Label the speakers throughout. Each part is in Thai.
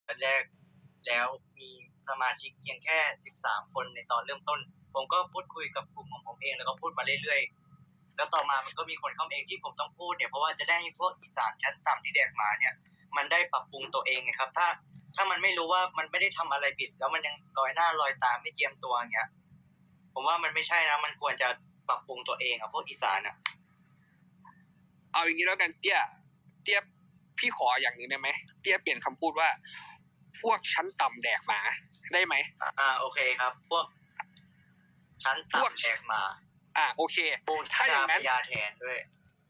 Speaker 1: แรกแล้วมีสมาชิกเพียงแค่13คนในตอนเริ่มต้นผมก็พูดคุยกับกลุ่มของผมเองแล้วก็พูดมาเรื่อยๆแล้วต่อมามันก็มีคนเข้ามาเองที่ผมต้องพูดเนี่ยเพราะว่าจะได้ให้พวกอีสานชั้นต่ำที่แดกหมาเนี่ยมันได้ปรับปรุงตัวเองไงครับถ้ามันไม่รู้ว่ามันไม่ได้ทำอะไรผิดแล้วมันยังลอยหน้าลอยตาไม่เจียมตัวอย่างเงี้ยผมว่ามันไม่ใช่นะมันควรจะปรับปรุงตัวเองพวกอีสาน
Speaker 2: เอาอย่างนี้แล้วกันเตี้ยพี่ขออย่างนึงได้ไหมเตี้ยเปลี่ยนคำพูดว่าพวกชั้นต่ำแดกหมาได้ไหม
Speaker 1: โอเคครับพวกชั้นต่ำแดกหมา
Speaker 2: โอเคถ้าอย่างนั้น
Speaker 1: ยาแทนด้วย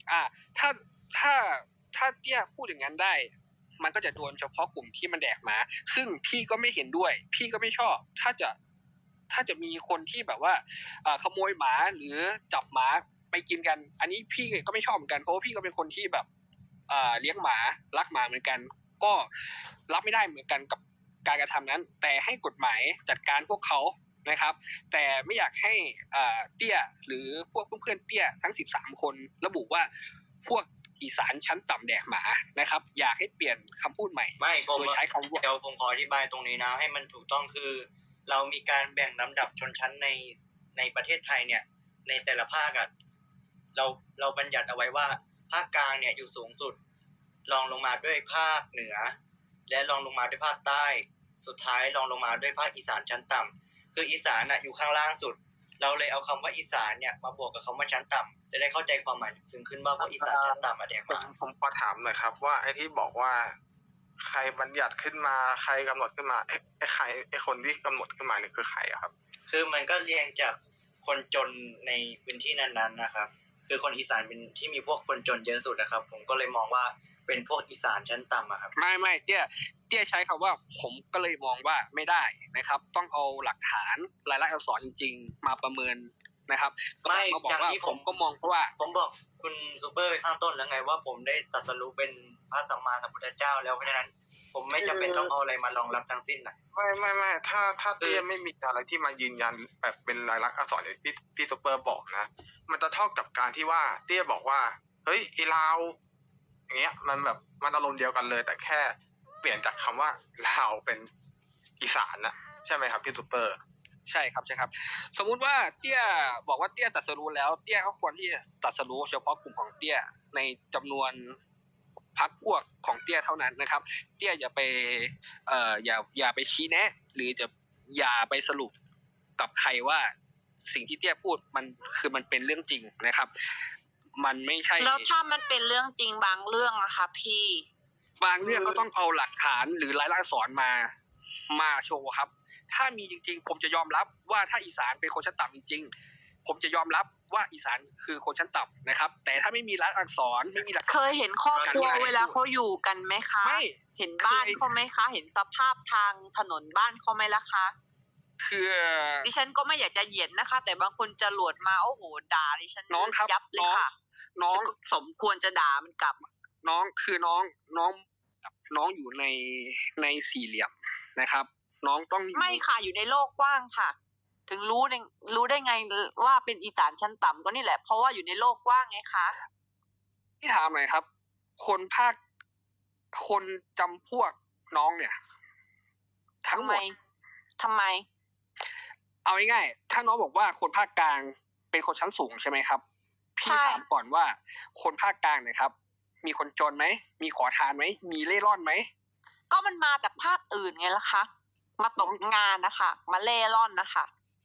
Speaker 2: ถ้าเตี้ยพูดอย่างนั้นได้มันก็จะโดนเฉพาะกลุ่มที่มันแดกหมาซึ่งพี่ก็ไม่เห็นด้วยพี่ก็ไม่ชอบถ้าจะมีคนที่แบบว่าขโมยหมาหรือจับหมาไปกินกันอันนี้พี่ก็ไม่ชอบเหมือนกันเพราะว่าพี่ก็เป็นคนที่แบบเลี้ยงหมารักหมาเหมือนกันก็รับไม่ได้เหมือนกันกับการกระทำนั้นแต่ให้กฎหมายจัดการพวกเขานะครับแต่ไม่อยากให้เตี้ยหรือพวกเพื่อนเตี้ยทั้ง13คนระบุว่าพวกอีสานชั้นต่ำแดกหมานะครับอยากให้เปลี่ยนคำพูดใหม่โดยใช้คำว่า
Speaker 1: เดี๋ยวผมขออธิบายตรงนี้นะให้มันถูกต้องคือเรามีการแบ่งลำดับชนชั้นในประเทศไทยเนี่ยในแต่ละภาคเราบัญญัติเอาไว้ว่าภาคกลางเนี่ยอยู่สูงสุดรองลงมาด้วยภาคเหนือและรองลงมาด้วยภาคใต้สุดท้ายรองลงมาด้วยภาคอีสานชั้นต่ำคืออีสานอยู่ข้างล่างสุดเราเลยเอาคำว่าอีสานเนี่ยมาบวกกับคำว่าชั้นต่ำจะได้เข้าใจความหมายซึ่งขึ้นว่าพวกอีสานชั้นต่ำแดกหมา
Speaker 3: ผมขอถามหน่อยครับว่าไอ้ที่บอกว่าใครบัญญัติขึ้นมาใครกำหนดขึ้นมาไอ้คนที่กำหนดขึ้นมานี่คือใครครับ
Speaker 1: คือมันก็เรียงจากคนจนในพื้นที่นั้นๆนะครับคือคนอีสานเป็นที่มีพวกคนจนเยอะสุดนะครับผมก็เลยมองว่าเป็นพวกอีสานชั้นต่ำครับ
Speaker 2: ไม่เตี้ยใช้คำว่าผมก็เลยมองว่าไม่ได้นะครับต้องเอาหลักฐานรายลักษณ์อักษรจริงๆมาประเมินนะครับ
Speaker 1: ไม่
Speaker 2: บอกว่าผมก็มองเพราะว่า
Speaker 1: ผมบอกคุณซูเปอร์ไปข้างต้นแล้วไงว่าผมได้ตรัสรู้เป็นพระสัมมาสัมพุทธเจ้าแล้วเพราะฉะนั้นผมไม่จำเป็นต้องเอาอะไรมารองรับทั้งสิ้น
Speaker 3: ไม่ถ้าเตี้ยไม่มีอะไรที่มายืนยันแบบเป็นลายลักษณ์อักษรอย่างที่พี่ซูเปอร์บอกนะมันจะเท่ากับการที่ว่าเตี้ยบอกว่าเฮ้ยไอ้ลาวอย่างเงี้ยมันแบบมันอารมณ์เดียวกันเลยแต่แค่เปลี่ยนจากคำว่าลาวเป็นอีสานนะใช่ไหมครับพี่ซูเปอร์
Speaker 2: ใช่ครับสมมุติว่าเตี้ยบอกว่าเตี้ยตรัสรู้แล้วเตี้ยก็ควรที่จะตรัสรู้เฉพาะกลุ่มของเตี้ยในจำนวนพรรคพวกของเตี้ยเท่านั้นนะครับเตี้ยอย่าไปอย่าไปชี้แนะหรือจะอย่าไปสรุปกับใครว่าสิ่งที่เตี้ยพูดมันเป็นเรื่องจริงนะครับมันไม่ใช่
Speaker 4: แล้วถ้ามันเป็นเรื่องจริงบางเรื่องอะค่ะพี่
Speaker 2: บางเรื่องก็ต้องเอาหลักฐานหรือรายลักษณ์อักษรมาโชว์ครับถ้ามีจริงๆผมจะยอมรับว่าถ้าอีสานเป็นคนชั้นต่ำจริงๆผมจะยอมรับว่าอีสานคือคนชั้นต่ำนะครับแต่ถ้าไม่มีรายลักษณ์อักษรไม่มีหลัก
Speaker 4: เคยเห็นครอบครัวเวลาเขาอยู่กันไหมคะ
Speaker 2: ไม่
Speaker 4: เห็นบ้านเขาไหมคะเห็นสภาพทางถนนบ้านเขาไหมล่ะคะ
Speaker 2: คือ
Speaker 4: ดิฉันก็ไม่อยากจะเหยียดนะคะแต่บางคนจะหลวดมาโอ้โหด่าดิฉัน
Speaker 2: น้องครับ
Speaker 4: ยับเลยค่ะ
Speaker 2: น้อง
Speaker 4: สมควรจะด่ามันกลับ
Speaker 2: น้องคือน้องอยู่ในสี่เหลี่ยมนะครับน้องต้อง
Speaker 4: ไม่ค่ะอยู่ในโลกกว้างค่ะถึงรู้ได้ไงว่าเป็นอีสานชั้นต่ำก็นี่แหละเพราะว่าอยู่ในโลกกว้างไงคะ
Speaker 2: พี่ถามหน่อยครับคนจำพวกน้องเนี่ยทั้งหมด
Speaker 4: ทำไม
Speaker 2: เอาง่ายๆถ้าน้องบอกว่าคนภาคกลางเป็นคนชั้นสูงใช่ไหมครับพี่ถามก่อนว่าคนภาคกลางเนี่ยครับมีคนจนไหมมีขอทานไหมมีเล่ร่อนไหม
Speaker 4: ก็มันมาจากภาคอื่นไงล่ะคะมาตกงานนะคะมาเล่ร่อนนะคะ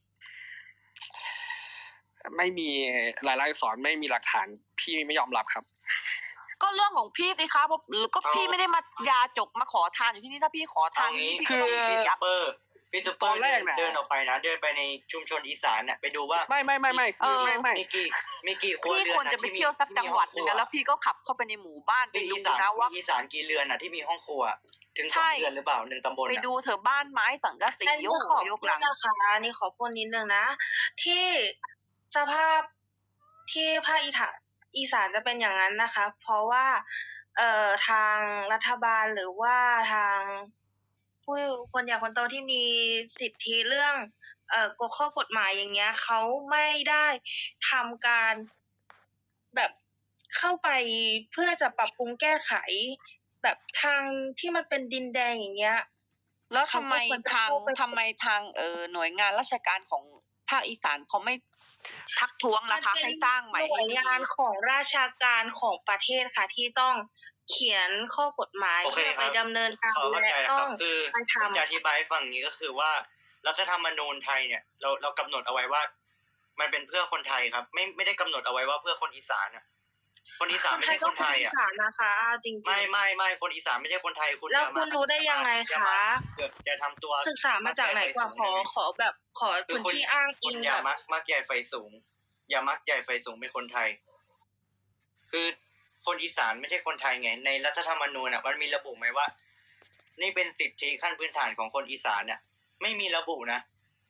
Speaker 2: ไม่มีรายลักษณ์อักษรไม่มีหลักฐานพี่ไม่ยอมรับครับ
Speaker 4: ก็เรื่องของพี่สิคะหรือก็พี่ไม่ได้มายาจกมาขอทานอยู่ที่นี่ถ้าพี่ขอทาน
Speaker 1: คือพี่ซูเปอร์เดินออกไปนะเดินไปในชุมชนอีสานเนี่ยไปดูว่า
Speaker 2: ไม่
Speaker 1: คือไม่มีกี่ครัวเรือน
Speaker 4: พี่ควรจะไปเที่ยวสักจังหวัดนึงแล้วพี่ก็ขับเข้าไปในหมู่บ้านไปดูนะว่า
Speaker 1: อีสานกี่เรือนที่มีห้องครัวถึง2 เรือนหรือเปล่า1 ตำบล
Speaker 4: ไปดูเถอะบ้านไม้สังกะสี
Speaker 5: ยกหลังนะคะนี่ขอพูดนิดนึงนะที่สภาพที่ภาคอีสานจะเป็นอย่างนั้นนะคะเพราะว่าทางรัฐบาลหรือว่าทางผู้คนใหญ่คนโตที่มีสิทธิเรื่องข้อกฎหมายอย่างเงี้ยเขาไม่ได้ทำการแบบเข้าไปเพื่อจะปรับปรุงแก้ไขแบบทางที่มันเป็นดินแดงอย่างเงี้ย
Speaker 4: แล้วทำไม
Speaker 5: เขาก็ควรจะ
Speaker 4: ทาง
Speaker 5: เข้าไป
Speaker 4: หน่วยงานราชการของภาคอีสานเขาไม่ทักท้วงล่ะคะ ให้สร้างใหม่
Speaker 5: หน่วย
Speaker 4: ให้ดี
Speaker 5: งานของราชการของประเทศค่ะ ที่ต้องเขียนข้อกฎหมาย
Speaker 1: โอเค
Speaker 5: เพื่อ
Speaker 1: ค
Speaker 5: ไป
Speaker 1: รับ
Speaker 5: ดำเนินการ
Speaker 1: ขอเข้า
Speaker 5: และ
Speaker 1: ใจนะค
Speaker 5: ต้
Speaker 1: รั
Speaker 5: อบ ง
Speaker 1: คือ
Speaker 5: ไป
Speaker 1: ผม
Speaker 5: ทำ
Speaker 1: จะอธิบายฝั่งนี้ก็คือว่ารัฐธรรมนูญไทยเนี่ยเรากำหนดเอาไว้ว่า มันเป็นเพื่อคนไทยครับ ไม่ได้กำหนดเอาไว้ว่าเพื่อคนอีสานนะคนอีสานไม่ใช่คนไทย
Speaker 5: อี
Speaker 1: อ่ะ
Speaker 5: สานนะคะเอาจริงๆ
Speaker 1: ไม่คนอีสานไม่ใช่คนไทยคุณ
Speaker 5: แล้ว
Speaker 1: อย่า
Speaker 5: คุณรู้ได้ยังไง
Speaker 1: อย่า
Speaker 5: คะ
Speaker 1: เกิดจะทำตัว
Speaker 5: ศึกษามาจากไหนกว่า ขอแบบขอ
Speaker 1: คือ
Speaker 5: พื้นที่อ้าง
Speaker 1: คุ
Speaker 5: อิ
Speaker 1: ณ
Speaker 5: ง
Speaker 1: อย่า
Speaker 5: แบบ
Speaker 1: มักใหญ่ไฟสูง อย่ามักใหญ่ไฟสูงเป็นคนไทย คือคนอีสานไม่ใช่คนไทยไง ในรัฐธรรมนูญอ่ะมันมีระบุไหมว่า นี่เป็นสิทธิขั้นพื้นฐานของคนอีสานเนี่ยไม่มีระบุนะ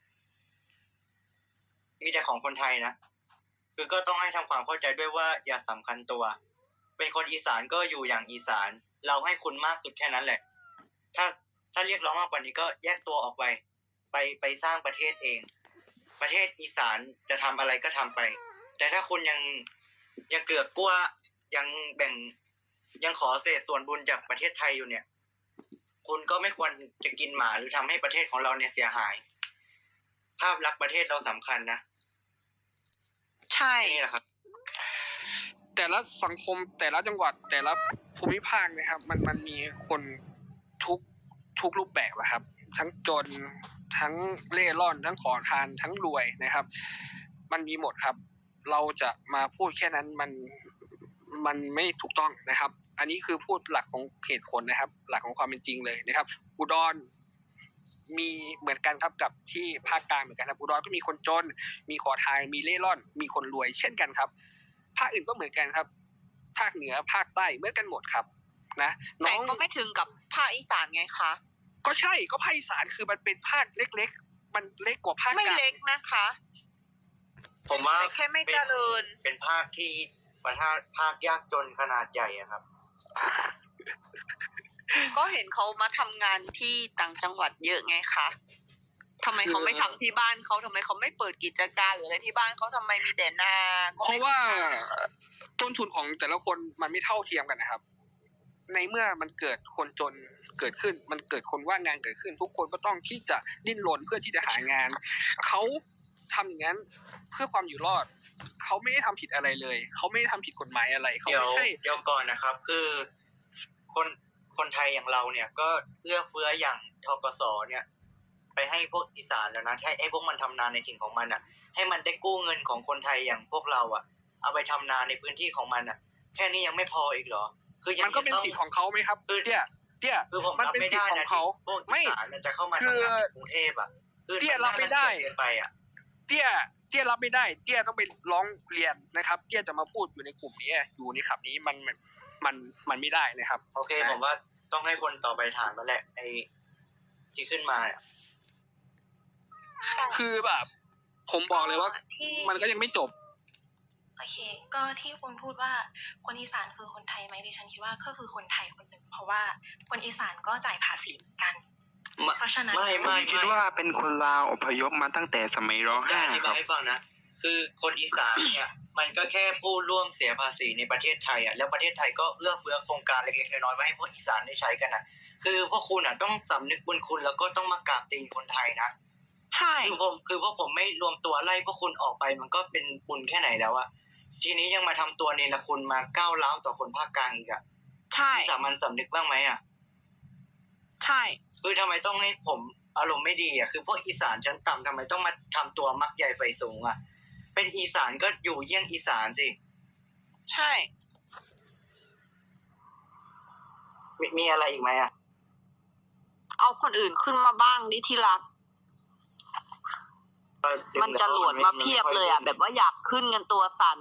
Speaker 1: มีแต่ของคนไทยนะคือก็ต้องให้ทำความเข้าใจด้วยว่าอย่าสำคัญตัว เป็นคนอีสานก็อยู่อย่างอีสาน เราให้คุณมากสุดแค่นั้นแหละ ถ้าเรียกร้องมากกว่านี้ก็แยกตัวออกไปสร้างประเทศเอง ประเทศอีสานจะทำอะไรก็ทำไป แต่ถ้าคุณยังเกือกกลัวยังขอเศษส่วนบุญจากประเทศไทยอยู่เนี่ย คุณก็ไม่ควรจะกินหมาหรือทำให้ประเทศของเราเนี่ยเสียหาย ภาพลักษณ์ประเทศเราสำคัญนะ
Speaker 4: ใช่
Speaker 1: นี่แหละครับ
Speaker 2: แต่ละสังคมแต่ละจังหวัดแต่ละภูมิภาคนะครับ มันมีคนทุกรูปแบบอะครับ ทั้งจนทั้งเล่ร่อนทั้งขอทานทั้งรวยนะครับ มันมีหมดครับ เราจะมาพูดแค่นั้นมันไม่ถูกต้องนะครับ อันนี้คือพูดหลักของเหตุผลนะครับ หลักของความเป็นจริงเลยนะครับ อุดรมีเหมือนกันครับกับที่ภาคกลางเหมือนกันครับอุดรก็มีคนจนมีขอทานมีเล่ร่อน มีคนรวยเช่นกันครับ ภาคอื่นก็เหมือนกันครับ ภาคเหนือภาคใต้เหมือนกันหมดครับ นะน้
Speaker 4: แต่
Speaker 2: อง
Speaker 4: ก็ไม่ถึงกับภาคอีสานไงคะ
Speaker 2: ก็ใช่ก็ภาคอีสานคือมันเป็นภาคเล็กๆมันเล็กกว่าภาค
Speaker 4: ไม่
Speaker 2: กลาง
Speaker 4: เล็กนะคะ
Speaker 1: ผมว่า
Speaker 4: แต่แค่ไม่เจริญ
Speaker 1: เป็นภาคที่ภาคยากจนขนาดใหญ่อะครับ
Speaker 4: ก็เห็นเขามาทำงานที่ต่างจังหวัดเยอะไงคะทำไมเขาไม่ทำที่บ้านเขาทำไมเขาไม่เปิดกิจการหรืออะไรที่บ้านเขาทำไมมีแต่นาก็
Speaker 2: เพ
Speaker 4: ไม่
Speaker 2: ราะว่าต้นทุนของแต่ละคนมันไม่เท่าเทียมกันนะครับ ในเมื่อมันเกิดคนจนเกิดขึ้น มันเกิดคนว่างงานเกิดขึ้น ทุกคนก็ต้องที่จะดิ้นรนเพื่อที่จะหางานเขาทำอย่างนั้นเพื่อความอยู่รอดเขาไม่ได้ทำผิดอะไรเลยเขาไม่ได้ทำผิดกฎหมายอะไรเขา
Speaker 1: เดี๋ยว
Speaker 2: ไม่ใช่
Speaker 1: เดี๋ยวก่อนนะครับ คือคนไทยอย่างเราเนี่ย ก็เอื้อเฟื้ออย่างทกสเนี่ย ไปให้พวกอีสานแล้วนะให้พวกมันทำนาในถิ่นของมันอ่ะ ให้มันได้กู้เงินของคนไทยอย่างพวกเราอ่ะ เอาไปทำนาในพื้นที่ของมันอ่ะ แค่นี้ยังไม่พออีกเหรอ คือยัง
Speaker 2: มันก็เป็นสิทธิ์ของเขาไหมครับ
Speaker 1: คือ
Speaker 2: เตี้ย
Speaker 1: คือผม
Speaker 2: มัน
Speaker 1: รับ
Speaker 2: เป็น
Speaker 1: ไม่
Speaker 2: สิท
Speaker 1: ได้
Speaker 2: ธิ์ขอ
Speaker 1: นะ
Speaker 2: งเขา
Speaker 1: ที่พวก
Speaker 2: ไม่
Speaker 1: อีสานจะเข้ามาทำงานในกรุงเทพอ่ะคือ
Speaker 2: เตี้ยรับไม่ได้
Speaker 1: เกินไปอ่ะ
Speaker 2: เตี้ยรับไม่ได้ เตี้ยต้องไปร้องเรียนนะครับ เตี้ยจะมาพูดอยู่ในกลุ่มนี้อยู่ในขับนี้มันไม่ได้นะครับ
Speaker 1: โอเค ผมว่าต้องให้คนต่อไปถามแล้วแหละไอ้ที่ขึ้นมาเนี่ย
Speaker 2: คือแบบ ผมบอกเลยว่า
Speaker 5: ที่
Speaker 2: มันก็ยังไม่จบ
Speaker 6: โอเค ก็ที่คุณพูดว่าคนอีสานคือคนไทยไหมดิฉันคิดว่าก็คือคนไทยคนหนึ่งเพราะว่าคนอีสานก็จ่ายภาษีเหมือนกัน เพราะฉะนั้น
Speaker 1: ไม่
Speaker 7: ผมคิดว่าเป็นคนลาวอพยพมาตั้งแต่สมัยร
Speaker 1: จะ
Speaker 7: .5
Speaker 1: อธิ
Speaker 7: ครับ
Speaker 1: าย
Speaker 7: บ
Speaker 1: ให้ฟังนะ คือคนอีสานเนี่ย มันก็แค่ผู้ร่วมเสียภาษีในประเทศไทยอ่ะ แล้วประเทศไทยก็เอื้อเฟื้อโครงการเล็กๆน้อยๆไว้ให้พวกอีสานได้ใช้กันนะคือพวกคุณอ่ะต้องสำนึกบุญคุณแล้วก็ต้องมากราบตีนคนไทยนะ
Speaker 4: ใช่
Speaker 1: คือพวกผมไม่รวมตัวไล่พวกคุณออกไปมันก็เป็นบุญแค่ไหนแล้วอะทีนี้ยังมาทำตัวเนรคุณมาก้าวร้าวต่อคนภาคกลางอีกอะ
Speaker 4: ใช่
Speaker 1: สามัญสำนึกบ้างไหมอะ
Speaker 4: ใช่
Speaker 1: คือทำไมต้องให้ผมอารมณ์ไม่ดีอะคือพวกอีสานชั้นต่ำทำไมต้องมาทำตัวมักใหญ่ไฟสูงอะเป็นอีสานก็อยู่เยี่ยงอีสานสิ
Speaker 4: ใช่
Speaker 1: มีอะไรอีกไหมอะ
Speaker 4: เอาคนอื่นขึ้นมาบ้างดิที่รัก มันจะหลวดมาเพียบเลยอ่ะ แบบว่าอยากขึ้นกันตัวสั่น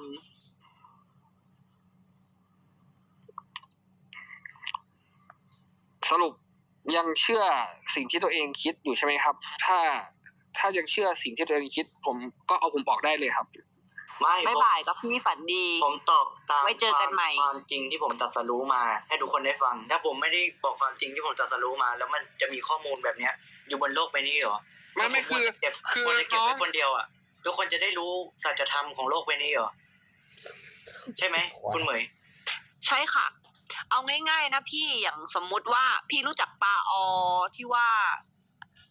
Speaker 2: สรุปยังเชื่อสิ่งที่ตัวเองคิดอยู่ใช่ไหมครับ ถ้ายังเชื่อสิ่งที่ตัวเองคิด ผมบอกได้เลยครับ
Speaker 4: ไม่บ่ายกับพี่ฝันดี
Speaker 1: ผมตอบตาม
Speaker 4: ไว้เจอกันใหม่
Speaker 1: ความจริงที่ผมตรัสรู้มา ให้ทุกคนได้ฟัง ถ้าผมไม่ได้บอกความจริงที่ผมตรัสรู้มา แล้วมันจะมีข้อมูลแบบเนี้ย อยู่บนโลกใบนี้เหรอ
Speaker 2: ไม่คือ
Speaker 1: ควรจะเก็บไว้คนเดียวอ่ะ ทุกคนจะได้รู้สัจธรรมของโลกใบนี้เหรอ ใช่ไหมคุณเหมย
Speaker 4: ใช่ค่ะ เอาง่ายๆนะพี่อย่างสมมุติว่าพี่รู้จักปลาออที่ว่า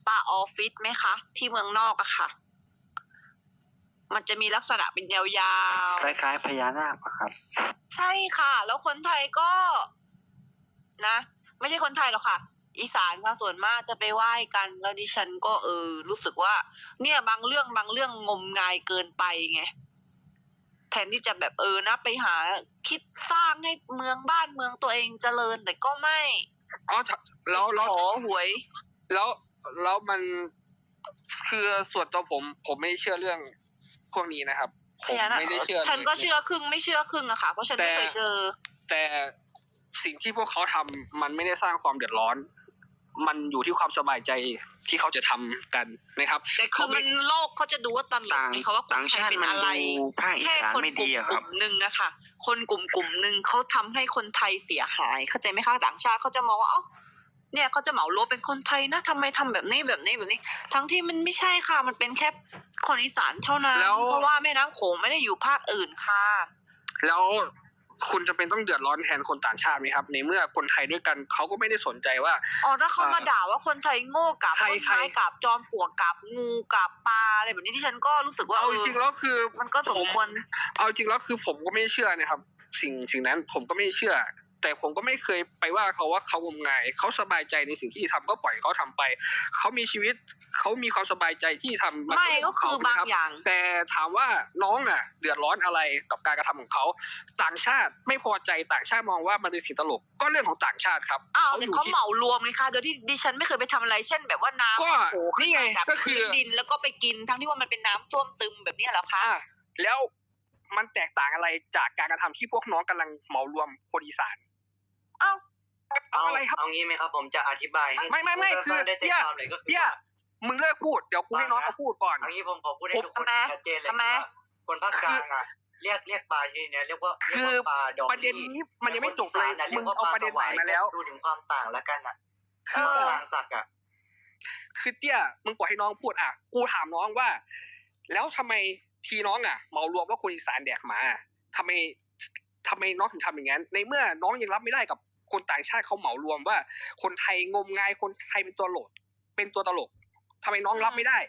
Speaker 4: ปลาออฟฟิศไหมคะ ที่เมืองนอกอะค่ะ มันจะมีลักษณะเป็นยาวๆ
Speaker 7: คล้ายๆพญานาคอะครับ
Speaker 4: ใช่ค่ะ แล้วคนไทยก็นะ ไม่ใช่คนไทยหรอกค่ะ อีสานค่ะส่วนมากจะไปไหว้กัน แล้วดิฉันก็รู้สึกว่า เนี่ยบางเรื่องงมงายเกินไปไง แทนที่จะแบบนะไปหาคิดสร้างให้เมืองบ้านเมืองตัวเองเจริญแต่ก็ไม่
Speaker 2: อ๋อแล้ว
Speaker 4: ขอหวย
Speaker 2: แล้วมันคือส่วนตัวผมไม่เชื่อเรื่องพวกนี้นะครับผมไม่ได้เชื่อ
Speaker 4: ฉันก็เชื่อครึ่งไม่เชื่อครึ่งอะค่ะ เพราะฉันไม่เคยเจอ
Speaker 2: แต่สิ่งที่พวกเขาทำมันไม่ได้สร้างความเดือดร้อน มันอยู่ที่ความสบายใจที่เขาจะทำกันนะครับ
Speaker 4: แต่คือมันโลกเขาจะดูว่าตลกไหมคะว่าคนไทยเป็นอะไร
Speaker 7: ภาคอี
Speaker 4: แค่
Speaker 7: สาน
Speaker 4: คน
Speaker 7: ไม่
Speaker 4: ก
Speaker 7: ดีอะค
Speaker 4: ลุ่
Speaker 7: รับ
Speaker 4: มหนึ่งอะค่ะ คนกลุ่มหนึ่งเขาทำให้คนไทยเสียหาย เข้าใจไหมคะต่างชาติเขาจะมองว่าเนี่ยเขาจะเหมารวมเป็นคนไทยนะทำไมทำแบบนี้ทั้งที่มันไม่ใช่ค่ะ มันเป็นแค่คนอีสานเท่านั้น
Speaker 2: แล้ว
Speaker 4: เพราะว่าแม่น้ำโขงไม่ได้อยู่ภาคอื่นค่ะ
Speaker 2: แล้วคุณจะเป็นต้องเดือดร้อนแทนคนต่างชาติไหมครับ ในเมื่อคนไทยด้วยกันเขาก็ไม่ได้สนใจว่า
Speaker 4: ถ้าเขามาด่าว่าคนไทยโง่กับ
Speaker 2: ใคร
Speaker 4: ต้นไม้กับจอมปลวกกับงูกับปลาอะไรแบบนี้ที่ฉันก็รู้สึกว่า
Speaker 2: เอาจริงๆแล้วคือ
Speaker 4: มันก็สมควร
Speaker 2: เอาจริงแล้วคือผมก็ไม่เชื่อนะครับ สิ่งนั้นผมก็ไม่เชื่อ แต่ผมก็ไม่เคยไปว่าเขาว่าเขางมงายเขาสบายใจในสิ่งที่ทำก็ปล่อยเขาทำไปเขามีชีวิตเขามีความสบายใจที่ทำ
Speaker 4: ไม่ก็คือบางอย่าง
Speaker 2: แต่ถามว่าน้องเดือดร้อนอะไรกับการกระทำของเขาต่างชาติไม่พอใจต่างชาติมองว่ามันเป็นสิ่งตลกก็เรื่องของต่างชาติครับ
Speaker 4: แต่เขาเหมารวมไงคะโดยที่ดิฉันไม่เคยไปทำอะไรเช่นแบบว่าน้ำ
Speaker 2: ก็
Speaker 4: โผล่ขึ้
Speaker 2: นี่
Speaker 4: น
Speaker 2: ไง
Speaker 4: มาจาก
Speaker 2: ก็คือ
Speaker 4: พื้นดินแล้วก็ไปกินทั้งที่ว่ามันเป็นน้ำส้วมซึมแบบนี้เหรอคะ
Speaker 2: แล้วมันแตกต่างอะไรจากการกระทำที่พวกน้องกำลังเหมารวมคนอีสานเอาอะไรครับ
Speaker 1: เอางี้ไหมครับ ผมจะอธิบายให้
Speaker 2: ไม่คือ
Speaker 1: ได้ใจความเลยก็คือ
Speaker 2: เนี่ยมึงเลิกพูดเดี๋ยวกูให้น้องเขาพูดก่อน
Speaker 1: เอางี้ผมขอพูดให้ทุกคน
Speaker 4: ทำไม
Speaker 1: ชัดเจนเลย
Speaker 4: ทำไม
Speaker 1: ว่าคนภาคกลางเรียกปลาชนิดนี้เรียกว่าปลาดอง
Speaker 2: ประเด็นนี้มันยังไม่จบเลย
Speaker 1: แต่คนอีสาน
Speaker 2: มึงเอาประเด็นไหนมาแล้ว
Speaker 1: ดูถึงความต่างแล้วกันกลางสัก
Speaker 2: คือเตี้ยมึงปล่อยให้น้องพูดกูถามน้องว่า แล้วทำไมทีน้องเหมารวมว่าคนอีสานแดกหมาทำไมน้องถึงทำอย่างนั้นในเมื่อน้องยังรับไม่ได้กับคนต่างชาติเขาเหมารวมว่าคนไทยงมงายคนไทยเป็นตัวตลกทำไมน้องรับไม่ได้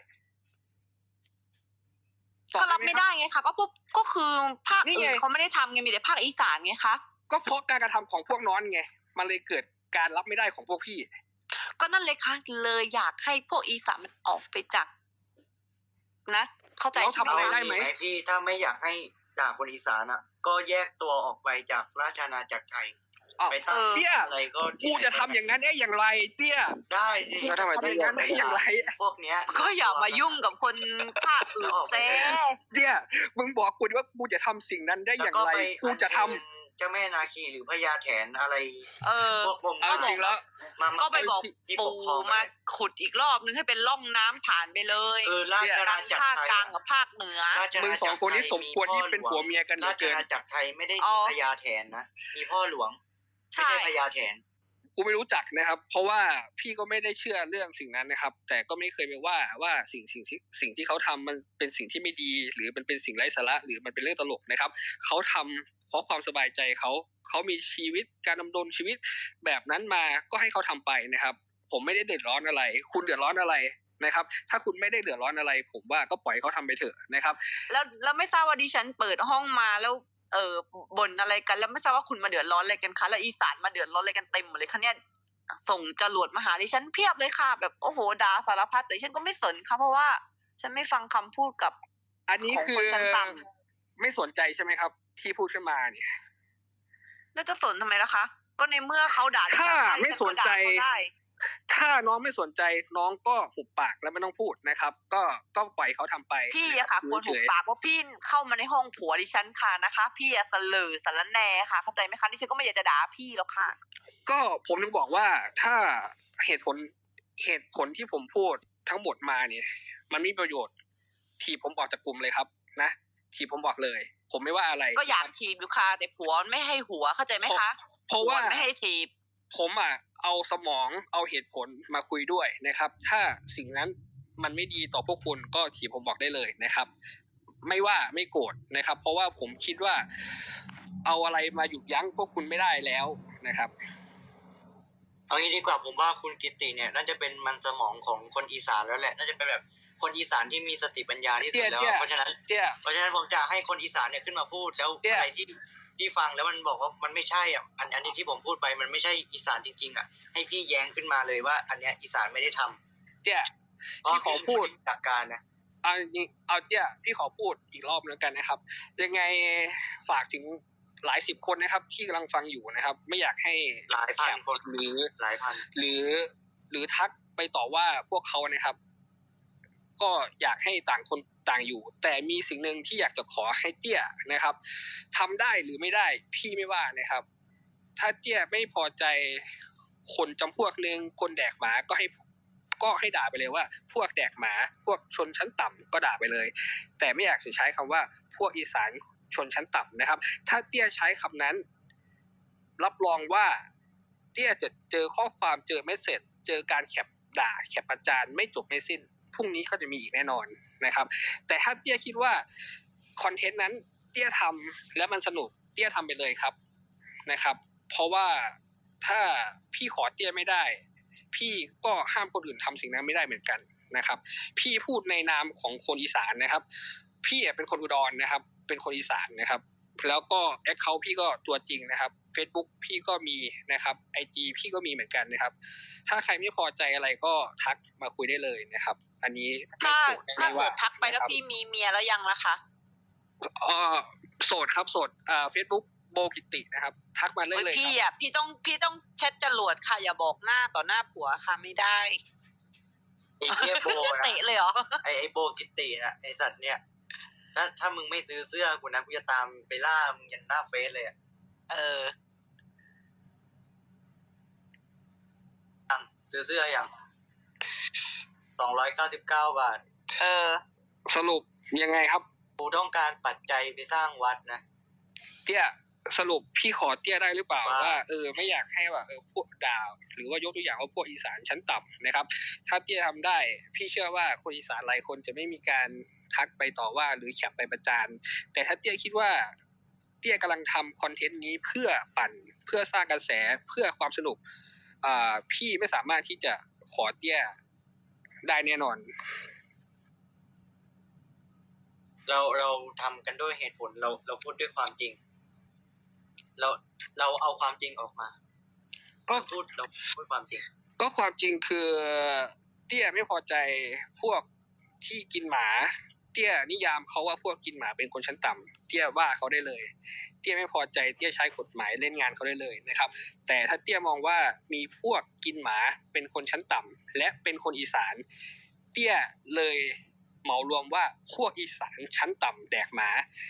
Speaker 4: ก็รับไม่ได้ไงคะก็คือภาค
Speaker 2: นี่
Speaker 4: อื่
Speaker 2: ไง
Speaker 4: นเขาไม่ได้ทำไงมีแต่ภาคอีสานไงคะ
Speaker 2: ก็เพราะการกระทำของพวกน้องไงมันเลยเกิดการรับไม่ได้ของพวกพี่
Speaker 4: ก็นั่นเลยค่ะเลยอยากให้พวกอีสานมันออกไปจากนะเข้าใจ
Speaker 2: แล้วทำอะไรได้ ไหม
Speaker 1: พี่ถ้าไม่อยากให้ด่าคนอีสานก็แยกตัวออกไปจากราชอาณาจักรไทยไปตั้ง
Speaker 2: เตี้ย
Speaker 1: อะไรก็
Speaker 2: กูจะทำอย่างนั้นได้อย่างไรเตี้ย
Speaker 1: ได้สิ
Speaker 7: แล้วทำไมต้อง
Speaker 2: อย่างนั้นได้อย่างไร
Speaker 1: พวกเนี้ย
Speaker 4: ก็อย่ามายุ่งกับคนภาคอื่นเซ่
Speaker 2: เตี้ยมึงบอกกูดิว่ากูจะทำสิ่งนั้นได้อย่างไรกูจะทำ
Speaker 1: เจ้าแม่นาคีหรือพญาแถนอะไร พวกผม
Speaker 2: เอาจริงแล้ว
Speaker 4: ก็ไปบอก
Speaker 1: ที่ปก
Speaker 4: ปู่
Speaker 1: ครอง
Speaker 4: มาขุดอีกรอบนึงให้เป็นร่องน้ำผ่านไปเลย
Speaker 1: ราชอาณาจักร
Speaker 4: ภาค
Speaker 1: ไทย
Speaker 4: กลางกับภาคเหนือ
Speaker 2: มึงสองคนนี้สมควรที่เป็นผัวเมียกันเหลื
Speaker 1: รา
Speaker 2: อ
Speaker 1: ช
Speaker 2: เกิน
Speaker 1: อาณาจักรไทยไม่ได้มีพญาแถนนะมีพ่อหลวงไม่
Speaker 4: ใช่
Speaker 1: ใช่พญาแถน
Speaker 2: กูไม่รู้จักนะครับ เพราะว่าพี่ก็ไม่ได้เชื่อเรื่องสิ่งนั้นนะครับ แต่ก็ไม่เคยไปว่าสิ่งที่เขาทำมันเป็นสิ่งที่ไม่ดี หรือมันเป็นสิ่งไร้สาระหรือมันเป็นเรื่องตลกนะครับเขาทำเพราะความสบายใจเขามีชีวิตการดำรงชีวิตแบบนั้นมาก็ให้เขาทำไปนะครับ ผมไม่ได้เดือดร้อนอะไร คุณเดือดร้อนอะไรนะครับ ถ้าคุณไม่ได้เดือดร้อนอะไร ผมว่าก็ปล่อยเขาทำไปเถอะนะครับ
Speaker 4: แล้วไม่ทราบว่าดิฉันเปิดห้องมาแล้วบ่นอะไรกันแล้วไม่ทราบว่าคุณมาเดือดร้อนอะไรกันคะแล้วอีสานมาเดือดร้อนอะไรกันเต็มหมดเลยคะเนี่ยส่งจรวดมาหาดิฉันเพียบเลยค่ะแบบโอ้โหด่าสารพัดแต่ฉันก็ไม่สนค่ะเพราะว่าฉันไม่ฟังคำพูดกับ
Speaker 2: อันนี้คือ
Speaker 4: ของคนชั้นต่ำ
Speaker 2: ไม่สนใจใช่ไหมครับ ที่พูดขึ้นมาเนี่ย
Speaker 4: แล้วจะสนทำไมล่ะคะก็ในเมื่อเขาด่าดิฉัน
Speaker 2: ถ้าไม่สนใจ
Speaker 4: ฉัก็ด่าเขาได้
Speaker 2: ถ้าน้องไม่สนใจน้องก็หุบปากแล้วไม่ต้องพูดนะครับ ก็ปล่อยเขาทำไป
Speaker 4: พี่อะค่ะควรหุบปากเพราะพี่เข้ามาในห้องผัวดิฉันค่ะนะคะ พี่อะเสลอสารแหน่ค่ะเข้าใจไหมคะดิฉันก็ไม่อยากจะด่าพี่หรอกค่ะ
Speaker 2: ก็ผมถึงบอกว่าถ้าเหตุผลที่ผมพูดทั้งหมดมาเนี่ยมันมีประโยชน์ถีบผมออกจากกลุ่มเลยครับนะถีบผมบอกเลย ผมไม่ว่าอะไร
Speaker 4: ก็อยากถีบอยู่ค่ะแต่ผัวไม่ให้หัวเข้าใจไหมคะ
Speaker 2: เพราะว่า
Speaker 4: ผัไม่ให้ถีบ
Speaker 2: ผมเอาสมองเอาเหตุผลมาคุยด้วยนะครับ ถ้าสิ่งนั้นมันไม่ดีต่อพวกคุณก็ถีบผมบอกได้เลยนะครับ ไม่ว่าไม่โกรธนะครับ เพราะว่าผมคิดว่าเอาอะไรมาหยุดยั้งพวกคุณไม่ได้แล้วนะครับ
Speaker 1: เอางี้ดีกว่าผมว่าคุณกิตติเนี่ยน่าจะเป็นมันสมองของคนอีสานแล้วแหละน่าจะเป็นแบบคนอีสานที่มีสติปัญญาที่สุดแล้วเพราะฉะนั้นผมจะให้คนอีสานเนี่ยขึ้นมาพูดแล้วอะไรที่ฟังแล้วมันบอกว่ามันไม่ใช่อ่ะอันนี้ที่ผมพูดไปมันไม่ใช่อีสานจริงๆอ่ะให้พี่แย้งขึ้นมาเลยว่าอันเนี้ยอีสานไม่ได้ทำ
Speaker 2: พี่ขอพูด
Speaker 1: จากการนะ
Speaker 2: เอาพี่ขอพูดอีกรอบนึงกันนะครับยังไงฝากถึงหลายสิบคนนะครับที่กำลังฟังอยู่นะครับไม่อยากให้
Speaker 1: หลายพันคน
Speaker 2: หรือ
Speaker 1: หลายพัน
Speaker 2: หรือทักไปต่อว่าพวกเขานะครับก็อยากให้ต่างคนต่างอยู่แต่มีสิ่งหนึ่งที่อยากจะขอให้เตี้ยนะครับทำได้หรือไม่ได้พี่ไม่ว่านะครับถ้าเตี้ยไม่พอใจคนจำพวกนึงคนแดกหมาก็ให้ด่าไปเลยว่าพวกแดกหมาพวกชนชั้นต่ำก็ด่าไปเลยแต่ไม่อยากจะใช้คำว่าพวกอีสานชนชั้นต่ำนะครับถ้าเตี้ยใช้คำนั้นรับรองว่าเตี้ยจะเจอข้อความเจอเมสเสจเจอการแคปด่าแคปประจานไม่จบไม่สิ้นพรุ่งนี้ก็จะมีอีกแน่นอนนะครับแต่ถ้าเตี้ยคิดว่าคอนเทนต์นั้นเตี้ยทำและมันสนุกเตี้ยทำไปเลยครับนะครับเพราะว่าถ้าพี่ขอเตี้ยไม่ได้พี่ก็ห้ามคนอื่นทำสิ่งนั้นไม่ได้เหมือนกันนะครับพี่พูดในนามของคนอีสานนะครับพี่เป็นคนอุดรนะครับเป็นคนอีสานนะครับแล้วก็แอคเคาท์พี่ก็ตัวจริงนะครับ Facebook พี่ก็มีนะครับ IG พี่ก็มีเหมือนกันนะครับถ้าใครไม่พอใจอะไรก็ทักมาคุยได้เลยนะครับอันนี้
Speaker 4: ถ้าเกิดทักไปแล้วพี่มีเมียแล้วยังล่ะคะ
Speaker 2: โสดครับโสดFacebook โบกิตินะครับทักมาเลยเลย
Speaker 4: ครับพี่ต้องเช็ดจรวดค่ะอย่าบอกหน้าต่อหน้าผัวค่ะไม่ได้
Speaker 1: ไอ้เหี้ยโบนะ
Speaker 4: เตะเลยเหรอ
Speaker 1: ไอ้โบกิตินะไอ้สัตว์เนี่ยถ้ามึงไม่ซื้อเสื้อกูนะกูจะตามไปล่ามึงยันหน้าเฟซเลยอ่ะซื้อเสื้ออย่าง299 บาท
Speaker 2: สรุปยังไงครับ
Speaker 1: กูต้องการปัจจัยไปสร้างวัดนะ
Speaker 2: เตี้ยสรุปพี่ขอเตี้ยได้หรือเปล่าว่าไม่อยากให้ว่าพวกด่าหรือว่ายกตัวอย่างว่าพวกอีสานชั้นต่ำนะครับถ้าเตี้ยทำได้พี่เชื่อว่าคนอีสานหลายคนจะไม่มีการทักไปต่อว่าหรือแคปไปประจานแต่ถ้าเตี้ยคิดว่าเตี้ยกำลังทำคอนเทนต์นี้เพื่อปั่นเพื่อสร้างกระแสเพื่อความสนุกพี่ไม่สามารถที่จะขอเตี้ยได้แน่นอน
Speaker 1: เราทำกันด้วยเหตุผลเราพูดด้วยความจริงเราเอาความจริงออกมาเราพูดความจริง
Speaker 2: ก็ความจริงคือเตี้ยไม่พอใจพวกที่กินหมาเตี้ยนิยามเขาว่าพวกกินหมาเป็นคนชั้นต่ำเตี้ยว่าเขาได้เลยเตี้ยไม่พอใจเตี้ยใช้กฎหมายเล่นงานเขาได้เลยนะครับแต่ถ้าเตี้ยมองว่ามีพวกกินหมาเป็นคนชั้นต่ำและเป็นคนอีสานเตี้ยเลยเหมารวมว่าพวกอีสานชั้นต่ำแดกหมา